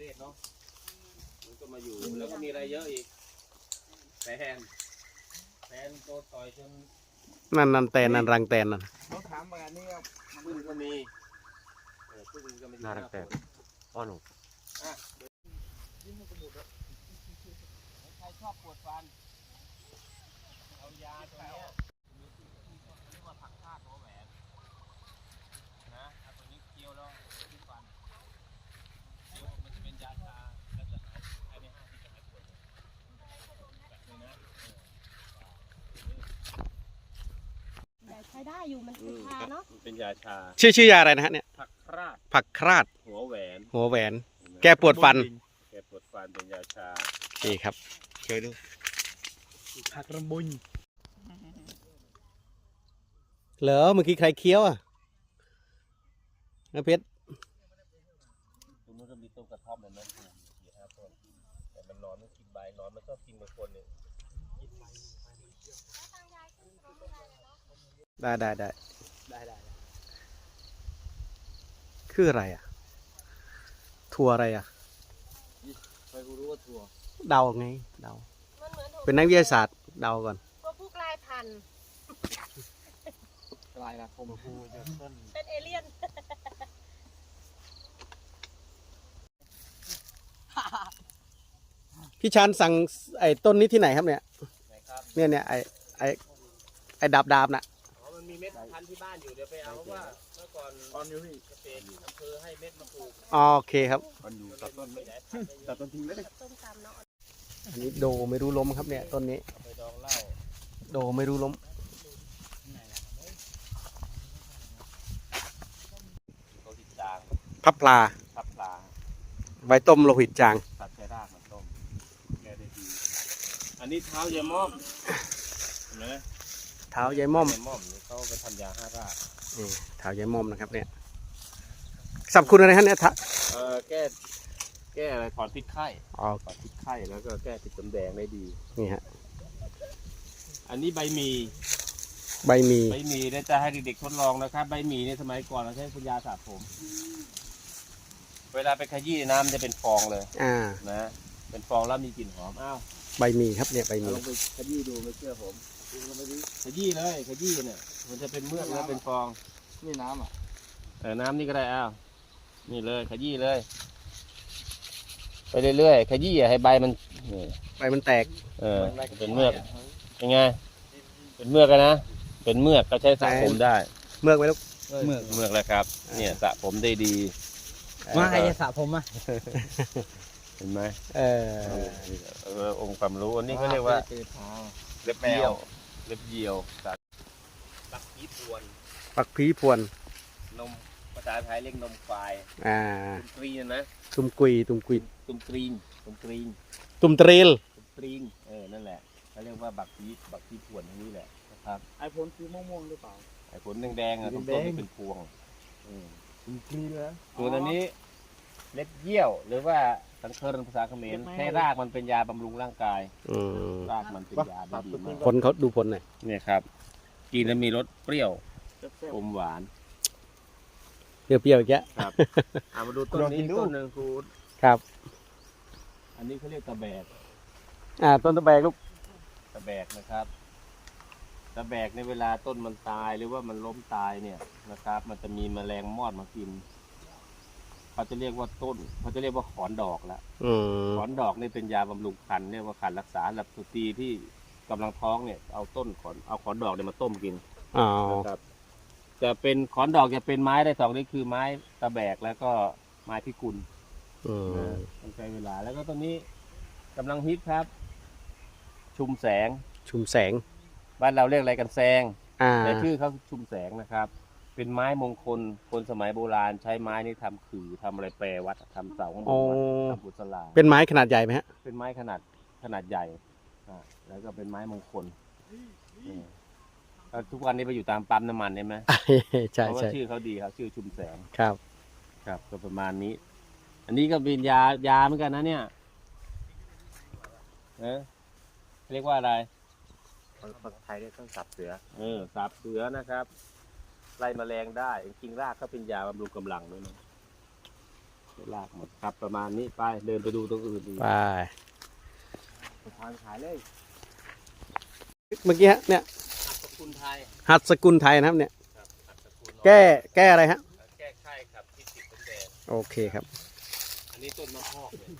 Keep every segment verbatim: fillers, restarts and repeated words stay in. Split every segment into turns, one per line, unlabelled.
เวศเนาะมันก็มาอยู่แล้วก็มีอะไรเยอะอีกแฟนแฟนโดนต่อยจน
นั่นนั่นแตนนั่นรังแตนนั่น
เขาถามมานี่ครับ
พึ่งก็มีพึ่งก็มีน่ารักแต่อ้อหนูใครชอบปวดฟันเอายาตัวนี้เรียกว่าผักคาดหัวแหวนนะเอาตัวนี้เคี้ยวแล้วที่ฟันเคี้ยวมันจะเป็นยาชาแล้วจะหายภายในห้าทีจะหายปวดแบบนี้นะ
ใช้ได้อยู่มันเป็นชาเนาะ
เป็นยาชา
ชื่อชื่อยาอะไรนะฮะเนี่ย
ผักคราด
ผักคราด
หัวแหวน
หัวแหวนแก้ปวดฟัน
แก้ปวดฟันเป็นยาชา
นี่ครับเคยดู
ผักระบุญ
เหรอเมื่อกี้ใครเคี้ยวอ่ะนะเพชร
ตรงนู้นก็มีต้นกระท่อมเลยนะสี่ห้าต้นแต่มันนอนไม่กินใบนอนมันชอบกินบางคนเนี่ย
ได้ได้ได้
ได้ได้
คืออะไรอ่ะถั่วอะไรอ่ะ
ใครรู้ว่าถั่ว
เดาไงเดาเป็นนักวิทยาศาสตร์เดาก่อน
ตัวผู้กลายพันธุ์
กลายละคมพูจะต้น
เป็นเอเลี่ยน
พี่ชานสั่งไอ้ต้นนี้ที่ไหนครับเนี่ยเนี่ยเนี่ยไอ้ไอ้ไอ้ดาบดาบน่ะ
อ๋อมันมีเม็ดพันธุ์ที่บ้านอยู่เดี๋ยวไปเอาเพราะว่าเมื่อก่อน
ตอนอยู่ที่
เกษตรอำเภอให้เม็ดมาปลูก
โอเคครับ
มันอยู่ตัดต้นไม่ได้ตัดต้นทิ้งไม่ได้
ต้นตามเนาะ
อันนี้โดไม่รู้ล้มครับเนี่ยต้นนี้
ไปดองเหล้า
โดไม่รู้ล้ม
โลหิตจาง
พับปลา
พับปลา
ไว้ต้มโลหิตจาง
ตัดใช้รากมันต้มแก้ได้ดีอันนี้เท้ายายม่อมเห็นไหม
เท้ายายม่อม
ยายม่อมนี่เขาไปทำยาห้าราก
นี่เท้ายายม่อมนะครับเนี่ยสรรพคุณอะไรฮะเนี่ยท้า
เออแก้แก้อะไรถอนพิษไข้อ๋อถอนพิษไข้แล้วก็แก้ติดจำแดงได้ดี
นี่ฮะ
อันนี้ใบหมี่
ใบหมี่
ใบหมี่เนี่ยจะให้เด็กๆทดลองนะครับใบหมี่ในสมัยก่อนเราใช้ปัญญาสระผมเวลาไปขยี้น้ำจะเป็นฟองเลย
อ่า
นะเป็นฟองแล้วมีกลิ่นหอมอ้าว
ใบหมี่ครับเนี่ยใบหมี่
ลองไปขยี้ดูไม่เชื่อผมขยี้เลยขยี้เนี่ยมันจะเป็นเมือกแล้วเป็นฟอง
นี่น้ำอ่ะ
เออน้ำนี่ก็ได้อ้าวนี่เลยขยี้เลยไปเรื่อยๆขยี้อย่าให้ใบมัน
ใบมันแตก
เออเป็นเมือกยังไงเป็นเมือกกันนะเป็นเมือกก็ใช้สระผมได้
เมือกไว้ลูก
เมือกเมือกแล้วครับเนี่ยสระผมได้ดี
ว่าใครจะสระผมอ่ะ
เห็นไหม
เออ
เออองค์ความรู้อันนี้ก็เรียกว่าเล็บเยี่ยวเล็บเยี่ยวปักผีพวน
ปักผีพวน
นมภาษาไทยเรียกนมควาย
อ่า
ตุ่มกรีนนะ
ตุ่มกุยตุ่มกุย
ตุ่มกรีนตุ่มกรีน
ตุ่มตรีล
ตุ่มกรีนเออนั่นแหละเขาเรียกว่าบักผีบักผีพวนนี่แหละนะครับ
ไอผลสีม่วงๆหรือเปล่า
ไอผลแดงๆอ่ะต้นเป็นพวง
ตุ่มกรีนแล้ว
ตัวนี้เล็บเยี่ยวหรือว่าสังเคราะห์ภาษาเขมรแค่รากมันเป็นยาบำรุงร่างกายรากมันเป็นยาดีมาก
ผลเขาดูผลหน่อย
เนี่ยครับกินแล้วมีรสเปรี้ยวอมหวาน
เปรี้ยวๆอีกแล้ว
ครับเอามาดูต้นนี้ต้นหนึ่งครู
ครับ
อันนี้เขาเรียกตะแบก
อ่าต้นตะแบกลูก
ตะแบกนะครับตะแบกในเวลาต้นมันตายหรือว่ามันล้มตายเนี่ยนะครับมันจะมีแมลงมอดมากินเขาจะเรียกว่าต้นเขาจะเรียกว่าขอนดอกละขอนดอกนี่เป็นยาบำรุงครรภ์เรียกว่าครรภ์รักษาสำหรับสตรีที่กำลังท้องเนี่ยเอาต้นขอนเอาขอนดอกเนี่ยมาต้มกินนะครับจะเป็นขอนดอกจะเป็นไม้ได้สองนี่คือไม้ตะแบกแล้วก็ไม้พิกุลต้องใช้เวลาแล้วก็ต้นนี้กำลังฮิตครับ ชุมแสง
ชุมแสง
บ้านเราเรียกอะไรกันแซงแต่ชื่อเขาชุมแสงนะครับเป็นไม้มงคลคนสมัยโบราณใช้ไม้นี้ทำขื่อทำอะไรแปรวัดทำเสาของวัดทำบุษลา
เป็นไม้ขนาดใหญ่ไหมฮะ
เป็นไม้ขนาดขนาดใหญ่อ่าแล้วก็เป็นไม้มงคลทุกวันนี้ไปอยู่ตามปั๊มน้ำมันใช่ไหม
ใช่
เพราะว่า
ใช่
ชื่อเขาดีครับชื่อชุมแสง
ครับ
ครับก็ประมาณนี้อันนี้ก็เป็นยายาเหมือนกันนะเนี่ยเออเรียกว่าอะไร
ภาษาไทยเรียกต้นสับเสือ
เออสับเสือนะครับไล่แมลงได้จริงๆรากก็เป็นยาบำรุงกำลังด้วยนะลากหมดครับประมาณนี้ไปเดินไปดูตรงอื่นดี
ไป
ทางขายเลย
เมื่อกี้ฮะเนี่ย
ขอบคุณไทย
หัดสกุลไทยนะครับเนี่ย
ครับขัดตะกูล
แก้แก้อะไรฮะ
แก้ไข้ครับที่ติดเป็นแดง
โอเคครับ
อันนี้ต้นมะพร้าวเนี่ย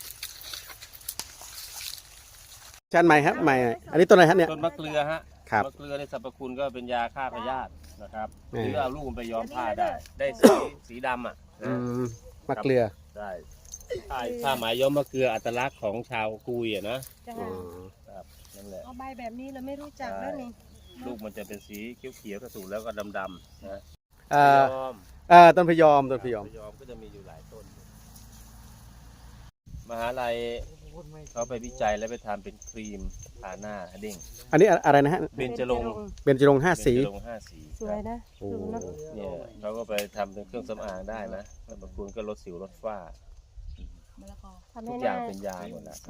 ชาติใหม่ครับใหม่อันนี้ต้นอะไรฮะเนี่ย
ต้นมะเกลือฮะ
ครับ
มะเกลือในสรรพคุณก็เป็นยาฆ่าพยาธินะครับ
อืม
หรือเอาลูกมันไปย้อมผ้าได้ ได้สีสีดำอ่ะ
อื
นะ
มมะเกลือ
ได้ผ้าผ้าไหมย้อมมะเกลืออัตลักษณ์ของชาวกุยอ่ะนะ
จ้ะ
อืม
ครับนั่นแหละ
เอาใบแบบนี้เราไม่รู้จักแล้วนี่
ลูกมันจะเป็นสีเขียวๆกระสูแล้วก็ดำๆนะ
เอ่อ
พยอม
เอ่อต้นพยอมต้นพยอม
พยอมก็จะมีอยู่หลายต้น มหาลัยเขาไปวิจัยแล้วไปทำเป็นครีมทาหน้าเด้ง
อันนี้อะไรนะฮะ
เบญจรงค์
เบญจรงค์ห้าสี
เบญจรงค์ห้าสี
สวยนะ
โอ้
ดูเนาะ
เนี่ยเขาก็ไปทำเป็นเครื่องสำอางได้นะบางคนก็ลดสิวลดฝ้า
ทำ
ทุ
ให้
ก
ห
อย่า
น้าง
เป็นยาหมดแล้ว